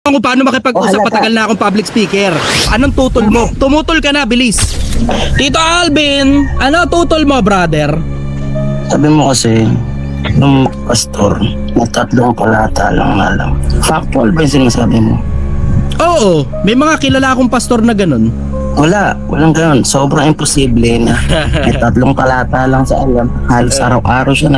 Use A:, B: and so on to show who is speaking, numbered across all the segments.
A: Kung paano makipag-usap, patagal na akong public speaker. Anong tutol mo? Tumutol ka na, bilis. Tito Alvin, ano tutol mo, brother?
B: Sabi mo kasi, nung pastor, na 3 palata lang na lang. Factual ba yung sinasabi mo?
A: Oo, may mga kilala akong pastor na ganun.
B: Walang ganun. Sobrang imposible na may 3 talata lang sa alam. Halos araw-araw siya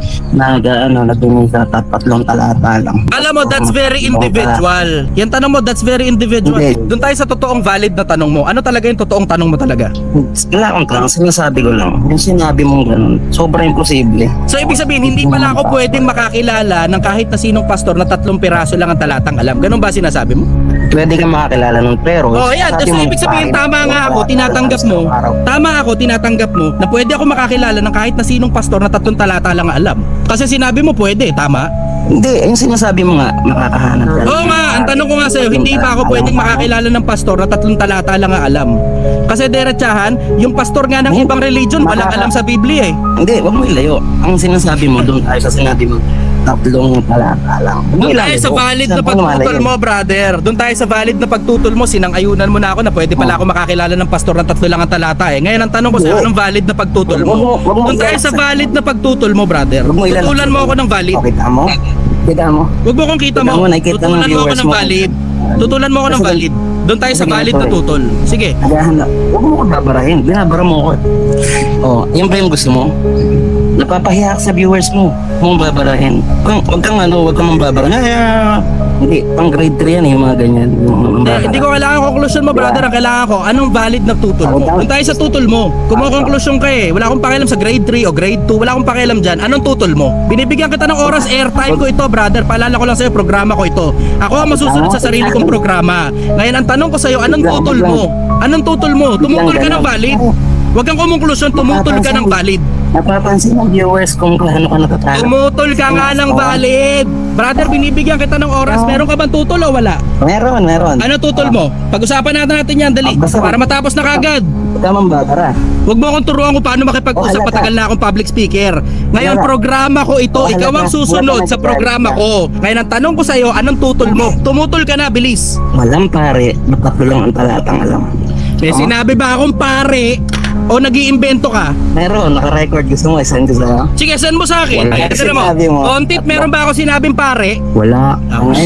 B: nagdungin sa 3 talata lang.
A: Alam mo, that's very individual. Yan tanong mo, that's very individual.
B: Hindi.
A: Doon tayo sa totoong valid na tanong mo. Ano talaga yung totoong tanong mo talaga?
B: Wala akong tanong, sinasabi ko lang. Yung sinabi mong ganun, sobrang imposible.
A: So ibig sabihin, hindi pala ako pwedeng makakilala ng kahit na sinong pastor na 3 piraso lang ang talatang alam. Ganun ba sinasabi mo?
B: Pwede kang makakilala nun, pero...
A: Oh, yan. So ibig sabihin, tama nga ako, tinatanggap mo. Tama ako, tinatanggap mo na pwede ako makakilala ng kahit na sinong pastor na 3 talata lang ang alam. Kasi sinabi mo pwede, tama?
B: Hindi, yung sinasabi mo nga, makakahanap ka.
A: Oo nga, ang tanong ko nga sa'yo, hindi ba ako pwedeng makakilala ng pastor na 3 talata lang ang alam? Kasi diretsahan, yung pastor nga ng ibang religion, walang alam sa Biblia eh.
B: Hindi, wag mo ilayo. Ang sinasabi mo, doon tayo sa sinabi mo, 3 talata lang.
A: Doon tayo sa valid na pagtutol mo, brother. Doon tayo sa valid na pagtutol mo. Sinang-ayunan mo na ako na pwede pala ako makakilala ng pastor na 3 lang ang talata eh. Ngayon ang tanong ko sa'yo, anong valid na pagtutol mo? Doon tayo sa valid na pagtutol mo, brother. Tutulan mo ako ng valid.
B: Kita mo? Kita mo?
A: Huwag mo kong kita mo. Tutulan mo ako ng valid. Tutulan mo ako ng valid. Doon tayo sa valid na tutol. Sige.
B: Huwag mo ko babarahin. Binabara mo ako. Oh, yan ba yung gusto mo? Napapahiya ka sa viewers mo. Huwag mong babarahin. Huwag kang mambabara. Hindi, pang grade 3 yan yung mga ganyan.
A: Hindi ko kailangan conclusion mo, brother. Ang kailangan ko, anong valid na tutol mo? Doon tayo sa tutol mo. Kumukonklusyon ka eh. Wala akong pakialam sa grade 3 o grade 2. Wala akong pakialam dyan. Anong tutol mo? Binibigyan kita ng oras, airtime ko ito, brother. Paalala ko lang sa'yo, programa ko ito. Ako ang masusunod sa sarili kong programa. Ngayon, ang tanong ko sa'yo, anong tutol mo? Anong tutol mo? Tumutol ka ng valid? Huwag kang kumukonklusyon, tumutol ka ng valid.
B: Napapansin ng viewers kung ano ka natatalo.
A: Tumutol ka nga ng valid. Brother, binibigyan kita ng oras. Meron ka bang tutol o wala?
B: Meron.
A: Ano tutol mo? Pag-usapan natin yan, dali. Para matapos na kagad.
B: Huwag ka mambabara.
A: Huwag mo akong turuan kung paano makipag-usap, patagal na akong public speaker. Ngayon, programa ko ito. Ikaw ang susunod sa programa ko. Ngayon, ang tanong ko sa'yo, anong tutol mo? Tumutol ka na, bilis.
B: Walang pare, matatlo lang ang talatang alam.
A: May sinabi ba akong pare o nag-iimbento ka?
B: Meron, naka-record. Gusto mo, isend ko sa'yo?
A: Sige, send mo sa akin.
B: Wala.
A: Tignan mo.
B: Sinabi mo.
A: Kontit, meron ba ako sinabing pare?
B: Wala.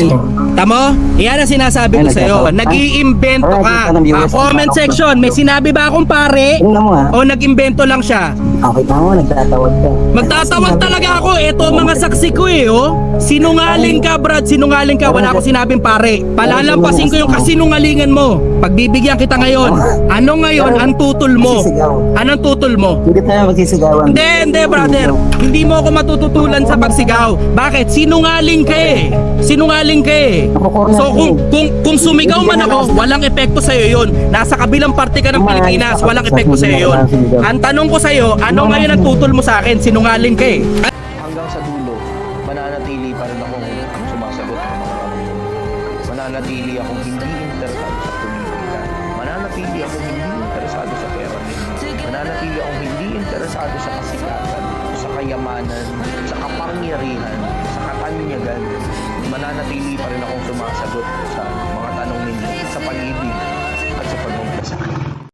A: Tamo? Yan ang sinasabi ko sa'yo. Nag-iimbento ka. Comment section, may sinabi ba akong pare?
B: Tingnan mo ha.
A: O nag-imbento lang siya?
B: Okay pa mo, nagtatawad ka.
A: Magtatawag talaga ako. Ito ang mga saksi ko eh, oh. Sinungaling ka, Brad. Sinungaling ka. Wala akong sinabing pare. Palalampasin ko yung kasinungalingan mo. Pagbibigyan kita ngayon. Ano ngayon ang tutol mo? Anong tutol mo?
B: Hindi tayo magsisigawan.
A: Hindi, brother. Hindi mo ako matututulan sa pagsigaw. Bakit? Sinungaling ka eh. Sinungaling ka eh. So kung sumigaw man ako, walang epekto sa iyo 'yon. Nasa kabilang parte ka ng Pilipinas, walang epekto sa iyo 'yon. Ang tanong ko sa iyo, ano ngayon ang tutol mo sa akin? Sinungaling ka eh.
C: Hanggang sa dulo, mananatili pa rin akong sumasagot ng mga tanong. Mananatili akong hindi interesado sa politika. Mananatili akong hindi interesado sa pera. Mananatili akong hindi interesado sa kasikatan, sa kayamanan, sa kapangyarihan, sa katanyagan. Mananatili pa rin akong sumasagot sa mga tanong ninyo sa pag-ibig at sa pagmamahal sa akin.